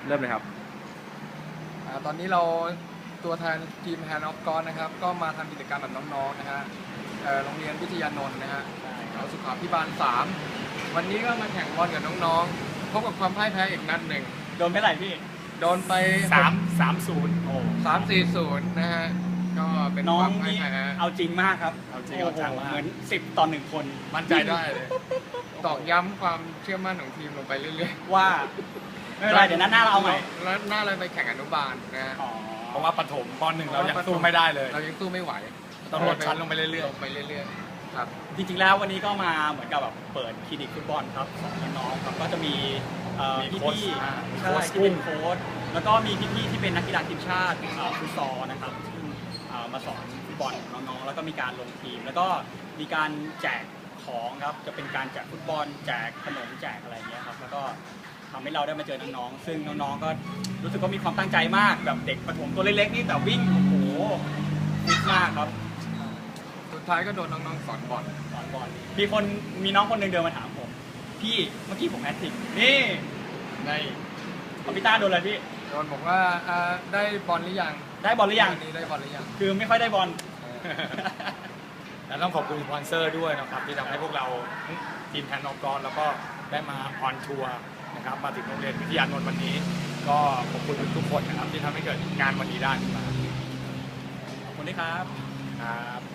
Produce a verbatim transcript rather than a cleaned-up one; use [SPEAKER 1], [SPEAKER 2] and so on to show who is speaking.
[SPEAKER 1] เริ่มเลยครับ
[SPEAKER 2] ตอนนี้เราตัวแทนทีม Hand of God นะครับก็มาทำกิจกรรมแบบน้องๆนะฮะโรงเรียนวิทยานนท์นะฮะเราสุขาพิบาลสามวันนี้ก็มาแข่งบอลกับน้องๆพบกับความพ่ายแพ้อีกนัดหนึ่ง
[SPEAKER 1] โดนไม่ไหร่พี่
[SPEAKER 2] โดนไป
[SPEAKER 1] สามสามศูนย์โอ้
[SPEAKER 2] สามสี่ศูนย์นะฮะก็เป็น
[SPEAKER 1] น้อ
[SPEAKER 2] ควา
[SPEAKER 1] ง
[SPEAKER 2] มพ่าย
[SPEAKER 1] นี่
[SPEAKER 2] แพ้
[SPEAKER 1] เอาจริงมากครับ
[SPEAKER 2] เอาจริง
[SPEAKER 1] โอ้
[SPEAKER 2] เอา
[SPEAKER 1] โห
[SPEAKER 2] จังมาก
[SPEAKER 1] เหมือนสิบต่อหนึ่งคน
[SPEAKER 2] มั่นใจได้เลยตอกย้ำความเชื่อมั่นของทีมลงไปเรื่อย
[SPEAKER 1] ๆว่าไม่เป็นไรเดี๋ยวนัดหน้าเราเอาใหม่
[SPEAKER 2] แล้วหน้าเราไปแข่งอนุบาลนะฮะ
[SPEAKER 3] เพราะว่าปฐมปหนึ่งเรายังสู้ไม่ได้เลย
[SPEAKER 2] เรายังสู้ไม่ไหว
[SPEAKER 3] ต้องลดชั้นลงไปเรื่อย
[SPEAKER 2] ๆลงไปเรื่อยๆครับ
[SPEAKER 1] จริงๆแล้ววันนี้ก็มาเหมือนกับแบบเปิดคลินิกฟุตบอลครับสอนน้องๆครับก็จะมีพี่ๆใช่ที่เป็นโค้ชแล้วก็มีพี่ๆที่เป็นนักกีฬาทีมชาติฟุตซอลนะครับซึ่งมาสอนฟุตบอลน้องๆแล้วก็มีการลงทีมแล้วก็มีการแจกของครับจะเป็นการแจกฟุตบอลแจกขนมแจกอะไรเงี้ยครับแล้วก็ทำให้เราได้มาเจอน้องๆซึ่งน้องๆก็รู้สึกว่ามีความตั้งใจมากแบบเด็กประถมตัวเล็กๆนี่แต่วิ่งโอ้โหฟิตมากครับ
[SPEAKER 2] สุดท้ายก็โดนน้องๆสอนบอล
[SPEAKER 1] สอนบอลมีคนมีน้องคนหนึ่งเดินมาถามผมพี่เมื่อกี้ผมแฮตทริกนี่ในคอมพิวเตอร์โดนอะไรพี่
[SPEAKER 2] โดนบอกว่าได้บอลหรือยัง
[SPEAKER 1] ได้บอลหรือยัง
[SPEAKER 2] นี้ได้บอลหรือยัง
[SPEAKER 1] คือไม่ค่อยได้บอล
[SPEAKER 3] และต้องขอบคุณสปอนเซอร์ด้วยนะครับที่ทำให้พวกเราทีมแทนนอกรแล้วก็ได้มาออนทัวร์นะครับมาถึงโรงเรียนวิทยานนท์วันนี้ก็ขอบคุณทุกคนนะครับที่ทำให้เกิดงานวันนี้ได้ขึ้นมา
[SPEAKER 1] ขอบคุณด้วยครับ
[SPEAKER 3] ครับ